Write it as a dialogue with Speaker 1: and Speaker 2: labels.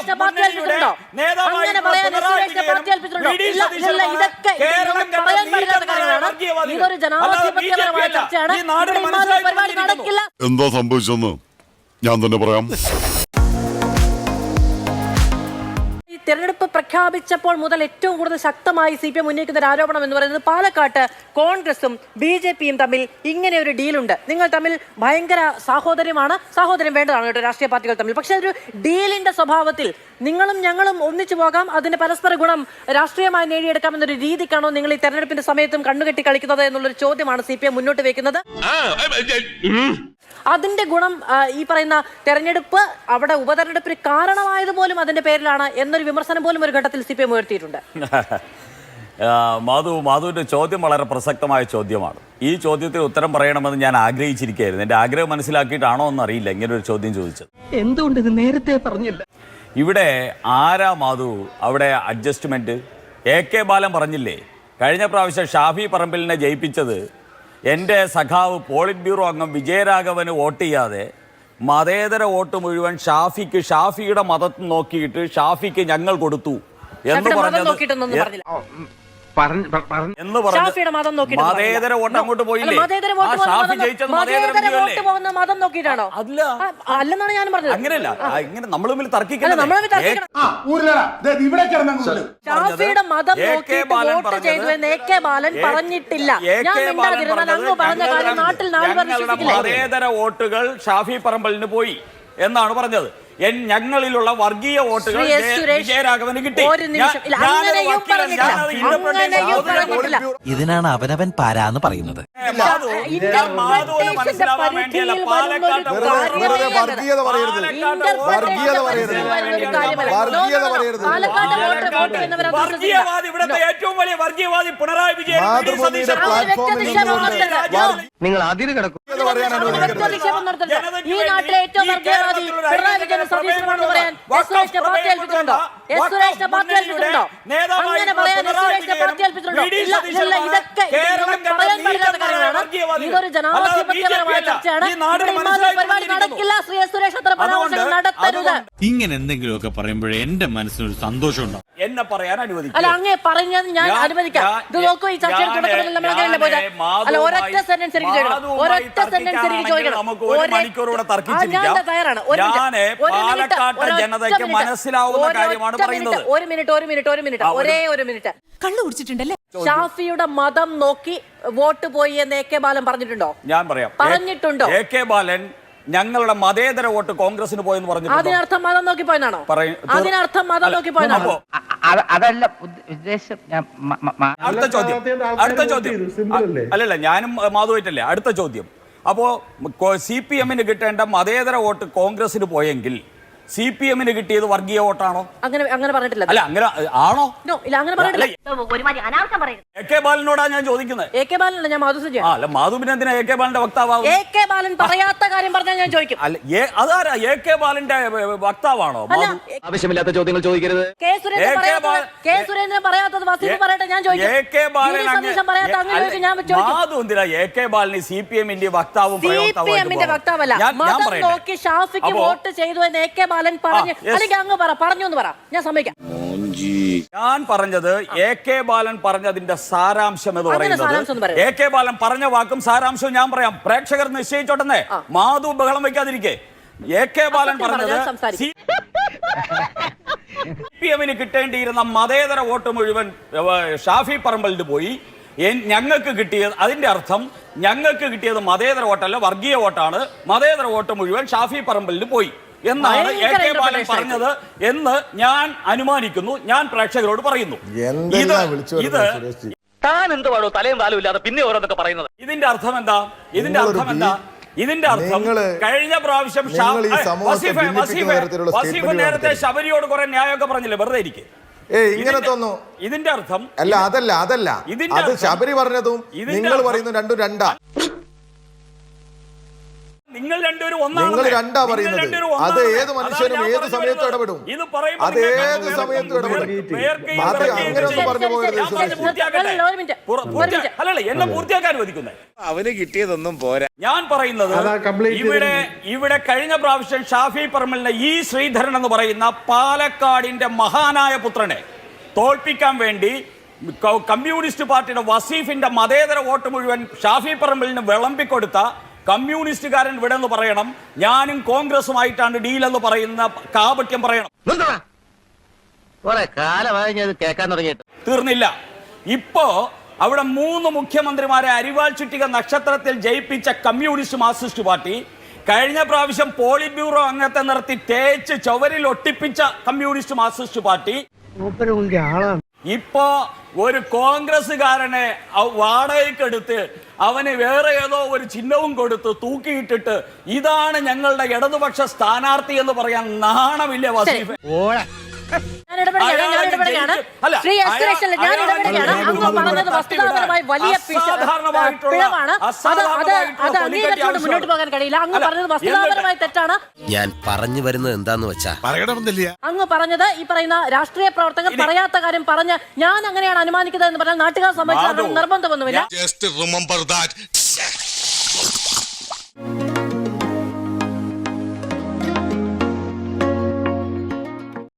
Speaker 1: എന്താ സംഭവിച്ചെന്ന് ഞാൻ തന്നെ പറയാം.
Speaker 2: തെരഞ്ഞെടുപ്പ് പ്രഖ്യാപിച്ചപ്പോൾ മുതൽ ഏറ്റവും കൂടുതൽ ശക്തമായി CPM ഉന്നയിക്കുന്ന ഒരു ആരോപണം എന്ന് പറയുന്നത് പാലക്കാട്ട് കോൺഗ്രസും BJPയും തമ്മിൽ ഇങ്ങനെ ഒരു ഡീലുണ്ട്. നിങ്ങൾ തമ്മിൽ ഭയങ്കര സാഹോദര്യം വേണ്ടതാണ് കേട്ടോ രാഷ്ട്രീയ പാർട്ടികൾ തമ്മിൽ. പക്ഷെ ഒരു ഡീലിന്റെ സ്വഭാവത്തിൽ നിങ്ങളും ഞങ്ങളും ഒന്നിച്ചു പോകാം, അതിന്റെ പരസ്പര ഗുണം രാഷ്ട്രീയമായി നേടിയെടുക്കാം എന്നൊരു രീതിക്കാണോ നിങ്ങൾ ഈ തെരഞ്ഞെടുപ്പിന്റെ സമയത്തും കണ്ണുകെട്ടി കളിക്കുന്നത് എന്നുള്ളൊരു ചോദ്യമാണ് CPM മുന്നോട്ട് വെക്കുന്നത്. അതിന്റെ ഗുണം ഈ പറയുന്ന തെരഞ്ഞെടുപ്പ് അവിടെ ഉപതെരഞ്ഞെടുപ്പിന് കാരണമായത് പോലും അതിന്റെ പേരിലാണ് എന്നൊരു വിമർശനം പോലും ഒരു ഘട്ടത്തിൽ CPM ഉയർത്തിയിട്ടുണ്ട്.
Speaker 3: മാധുവിന്റെ ചോദ്യം വളരെ പ്രസക്തമായ ചോദ്യമാണ്. ഈ ചോദ്യത്തിന് ഉത്തരം പറയണമെന്ന് ഞാൻ ആഗ്രഹിച്ചിരിക്കുകയായിരുന്നു. എന്റെ ആഗ്രഹം മനസ്സിലാക്കിയിട്ടാണോ എന്നറിയില്ല ഇങ്ങനെ ഒരു ചോദ്യം ചോദിച്ചത്.
Speaker 4: എന്തുകൊണ്ട് ഇത് നേരത്തെ പറഞ്ഞില്ല?
Speaker 3: ഇവിടെ ആരാ മാധു അവിടെ അഡ്ജസ്റ്റ്മെന്റ്? AK ബാലൻ പറഞ്ഞില്ലേ കഴിഞ്ഞ പ്രാവശ്യം ഷാഫി പറമ്പിലിനെ ജയിപ്പിച്ചത് എൻ്റെ സഖാവ് പോളിറ്റ് ബ്യൂറോ അംഗം വിജയരാഘവന് വോട്ട് ചെയ്യാതെ മതേതര വോട്ട് മുഴുവൻ ഷാഫിയുടെ മതം നോക്കിയിട്ട് ഷാഫിക്ക് ഞങ്ങൾ കൊടുത്തു എന്ന് പറഞ്ഞത് മതേതര വോട്ട് അങ്ങോട്ട് പോയില്ലേ? ഷാഫി ജയിച്ചത്
Speaker 2: മതം നോക്കിയിട്ടാണോ? അല്ലെന്നാണ് ഞാൻ പറഞ്ഞത്.
Speaker 3: അങ്ങനെയല്ല, ഇങ്ങനെ നമ്മൾ തമ്മിൽ തർക്കിക്കണം.
Speaker 2: ഷാഫിയുടെ മതം നോക്കിയിട്ട് വോട്ട് ചെയ്തു എന്ന് AK ബാലൻ പറഞ്ഞിട്ടില്ല.
Speaker 3: മതേതര വോട്ടുകൾ ഷാഫി പറമ്പലിന് പോയി എന്നാണ് പറഞ്ഞത്. ഞങ്ങളിലുള്ള വർഗീയ വോട്ടുകൾ വിജയരാഘവന് കിട്ടി.
Speaker 5: ഇതിനാണ് അവനവൻ പാരാന്ന് പറയുന്നത്.
Speaker 3: മാധവന് മനസ്സിലാവാൻ വേണ്ടിയല്ല വർഗീയവാദി, ഇവിടുത്തെ ഏറ്റവും വലിയ വർഗീയവാദി പിണറായി വിജയൻ.
Speaker 4: നിങ്ങൾ അതിന് കിടക്കും.
Speaker 2: ഈ നാട്ടിലെ ഏറ്റവും വർഗീയവാദി പിണറായി വിജയൻ സതീശനാണെന്ന് പറയാൻ സുരേഷിനെ പാർട്ടി ഏൽപ്പിച്ചിട്ടുണ്ടോ? സുരേഷിനെ പാർട്ടി ഏൽപ്പിച്ചിട്ടുണ്ടോ? അങ്ങനെ പറയാൻ സുരേഷിനെ പാർട്ടി ഏൽപ്പിച്ചിട്ടുണ്ടോ? ഇല്ല. ഇതൊക്കെ പറയാൻ പറ്റാത്ത കാര്യങ്ങളാണ്. ഇതൊരു ജനാധിപത്യപരമായ ചർച്ചയാണ്. പരിപാടി നടക്കില്ല. സുരേഷ് അത്ര പരാമർശങ്ങൾ നടത്തരുത്.
Speaker 6: ഇങ്ങനെ എന്തെങ്കിലുമൊക്കെ പറയുമ്പോഴേ എന്റെ മനസ്സിനൊരു സന്തോഷം ഉണ്ടാവും.
Speaker 3: എന്നെ പറയാൻ അനുവദിക്കും.
Speaker 2: അല്ല, അങ്ങേ പറഞ്ഞത് ഞാൻ അനുവദിക്കാം. ഇത് നോക്കൂ, ഈ ചർച്ചയുടെ തുടക്കത്തിൽ നമ്മൾ അങ്ങനെയല്ല പോയത്. അല്ല, ഒരൊറ്റ സെന്റൻസ് എനിക്ക് ചോദിക്കണം. ഒരൊറ്റ സെന്റൻസ് എനിക്ക് ചോദിക്കണം.
Speaker 3: നമുക്ക് ഒരു മണിക്കൂറൂടെ തർക്കിച്ചിരിക്കാം.
Speaker 2: തയ്യാറാണ്.
Speaker 3: ജനതയ്ക്ക് മനസ്സിലാവുന്ന കാര്യമാണ് പറയുന്നത്.
Speaker 2: ഒരു മിനിറ്റ് ഒരേ ഒരു മിനിറ്റ്.
Speaker 7: കള്ളു കുടിച്ചിട്ടുണ്ടല്ലേ?
Speaker 2: ഷാഫിയുടെ മതം നോക്കി വോട്ട് പോയി എന്ന് AK ബാലൻ പറഞ്ഞിട്ടുണ്ടോ?
Speaker 3: ഞാൻ പറയാം.
Speaker 2: പറഞ്ഞിട്ടുണ്ടോ?
Speaker 3: AK ബാലൻ ഞങ്ങളുടെ മതേതര വോട്ട് കോൺഗ്രസിന് പോയെന്ന് പറഞ്ഞു.
Speaker 2: അതിനർത്ഥം മതം നോക്കി പോയെന്നാണോ? അതിനർത്ഥം മതം നോക്കി പോയെന്നാണോ?
Speaker 4: അതല്ല ഉദ്ദേശം.
Speaker 3: അടുത്ത ചോദ്യം അല്ലല്ല, ഞാനും മാധുവായിട്ടല്ലേ. അടുത്ത ചോദ്യം. അപ്പോ CPM-ന് കിട്ടേണ്ട മതേതര വോട്ട് കോൺഗ്രസിന് പോയെങ്കിൽ CPM-ന് കിട്ടിയത് വർഗീയ വോട്ടാണോ?
Speaker 2: അങ്ങനെ പറഞ്ഞിട്ടില്ല.
Speaker 3: അല്ല, അങ്ങനെ ആണോ?
Speaker 2: ഇല്ല, അങ്ങനെ പറഞ്ഞിട്ടില്ല.
Speaker 3: AK ബാലനോടാ ഞാൻ ചോദിക്കുന്നത്.
Speaker 2: AK ബാലനല്ല, ഞാൻ മാധു സുജയ.
Speaker 3: അല്ല, മാധുവിന് എന്തിനാ AK ബാലന്റെ വക്താവാകും?
Speaker 2: AK ബാലൻ പറയാത്ത കാര്യം പറഞ്ഞാൽ ഞാൻ ചോദിക്കും.
Speaker 3: അല്ല, അതാരാ AK ബാലന്റെ വക്താവാണോ?
Speaker 4: ആവശ്യമില്ലാത്ത ചോദ്യങ്ങൾ ചോദിക്കരുത്.
Speaker 2: കെ സുരേന്ദ്രൻ പറയാത്തത് വസീഫ് പറയട്ടെ, ഞാൻ ചോദിക്കും.
Speaker 3: മാധു എന്തിനാ AK ബാലന് CPM-ന്റെ വക്താവും
Speaker 2: CPM-ന്റെ വക്താവല്ല. മതം നോക്കി ഷാഫിക്ക് വോട്ട് ചെയ്തു എന്ന് AK ബാലൻ പറഞ്ഞു. അല്ലെങ്കിൽ അങ്ങ് പറഞ്ഞു എന്ന് പറ, ഞാൻ സമ്മതിക്കാം.
Speaker 3: ഞാൻ പറഞ്ഞത് AK ബാലൻ പറഞ്ഞതിന്റെ സാരാംശം എന്ന് പറയുന്നത്. AK ബാലൻ പറഞ്ഞ വാക്കും സാരാംശവും ഞാൻ പറയാം. പ്രേക്ഷകർ നിശ്ചയിച്ചോട്ടെ. മാധു ബഹളം വയ്ക്കാതിരിക്കെ. AK ബാലൻ പറഞ്ഞത് CPM-ന് കിട്ടേണ്ടിയിരുന്ന മതേതര വോട്ട് മുഴുവൻ ഷാഫി പറമ്പലിന് പോയി. ഞങ്ങൾക്ക് കിട്ടിയത്, അതിന്റെ അർത്ഥം ഞങ്ങൾക്ക് കിട്ടിയത് മതേതര വോട്ടല്ല, വർഗീയ വോട്ടാണ്. മതേതര വോട്ട് മുഴുവൻ ഷാഫി പറമ്പലിന് പോയി എന്നാണ് AK ബാലൻ പറഞ്ഞത് എന്ന് ഞാൻ അനുമാനിക്കുന്നു. ഞാൻ പ്രേക്ഷകരോട് പറയുന്നു.
Speaker 4: താൻ എന്തുവാണോ തലയും താലും ഇല്ലാതെ പിന്നെ ഓരോന്നൊക്കെ പറയുന്നത്?
Speaker 3: ഇതിന്റെ അർത്ഥം എന്താ? ഇതിന്റെ അർത്ഥം കഴിഞ്ഞ പ്രാവശ്യം വസീഫ് നേരത്തെ ശബരിയോട് കുറെ ന്യായമൊക്കെ പറഞ്ഞില്ലേ? വെറുതെ ഇരിക്കെ.
Speaker 1: ഇങ്ങനെ തോന്നുന്നു.
Speaker 3: ഇതിന്റെ അർത്ഥം
Speaker 1: അതല്ല. ശബരി പറഞ്ഞതും നിങ്ങൾ പറയുന്നു രണ്ടും രണ്ടാ.
Speaker 3: നിങ്ങൾ രണ്ടുപേരും
Speaker 1: നിങ്ങൾ രണ്ടാ പറയുന്നത്. അത് ഏത് മനുഷ്യനും ഏത് സമയത്തും ഇടപെടും. അത് ഏത് സമയത്തും ഇടപെടും. അത് അങ്ങനെയൊന്നും പറഞ്ഞു പോകരുത്.
Speaker 3: എന്നെ പൂർത്തിയാക്കാൻ അനുവദിക്കുന്നത്.
Speaker 7: അവന് കിട്ടിയതൊന്നും പോരാ.
Speaker 3: ഞാൻ പറയുന്നത് ഇവിടെ കഴിഞ്ഞ പ്രാവശ്യം ഷാഫി പറമ്പലിനെ ഈ ശ്രീധരൻ എന്ന് പറയുന്ന പാലക്കാടിന്റെ മഹാനായ പുത്രനെ തോൽപ്പിക്കാൻ വേണ്ടി കമ്മ്യൂണിസ്റ്റ് പാർട്ടിയുടെ വസീഫിന്റെ മതേതര വോട്ട് മുഴുവൻ ഷാഫി പറമ്പലിന് വിളമ്പിക്കൊടുത്ത കമ്മ്യൂണിസ്റ്റുകാരൻ ഇവിടെ എന്ന് പറയണം. ഞാനും കോൺഗ്രസുമായിട്ടാണ് ഡീൽ എന്ന് പറയുന്ന കാപട്യം പറയണം.
Speaker 4: കേൾക്കാൻ തുടങ്ങിയിട്ട്
Speaker 3: തീർന്നില്ല. ഇപ്പോ അവിടെ 3 മുഖ്യമന്ത്രിമാരെ അരിവാൾ ചുറ്റിക നക്ഷത്രത്തിൽ ജയിപ്പിച്ച കമ്മ്യൂണിസ്റ്റ് മാർക്സിസ്റ്റ് പാർട്ടി കഴിഞ്ഞ പ്രാവശ്യം പോളിറ്റ് ബ്യൂറോ അംഗത്തെ നിർത്തി തേച്ച് ചുവരിൽ ഒട്ടിപ്പിച്ച കമ്മ്യൂണിസ്റ്റ് മാർക്സിസ്റ്റ് പാർട്ടി ഇപ്പോ ഒരു കോൺഗ്രസ്സുകാരനെ വാടകയ്ക്കെടുത്ത് അവന് വേറെ ഏതോ ഒരു ചിഹ്നവും കൊടുത്ത് തൂക്കിയിട്ടിട്ട് ഇതാണ് ഞങ്ങളുടെ ഇടതുപക്ഷ സ്ഥാനാർത്ഥി എന്ന് പറയാൻ നാണമില്ല വസീഫ്.
Speaker 2: മുന്നോട്ട് പോകാൻ കഴിയില്ല. അങ്ങ് പറഞ്ഞത് വസ്തുതാപരമായി തെറ്റാണ്.
Speaker 5: ഞാൻ പറഞ്ഞു വരുന്നത് എന്താന്ന് വെച്ചാ
Speaker 2: അങ്ങ് പറഞ്ഞത് ഈ പറയുന്ന രാഷ്ട്രീയ പ്രവർത്തകർ പറയാത്ത കാര്യം പറഞ്ഞ് ഞാൻ അങ്ങനെയാണ് അനുമാനിക്കുന്നത് എന്ന് പറഞ്ഞാൽ നാട്ടുകാർ സംബന്ധിച്ച് നിർബന്ധമൊന്നുമില്ല.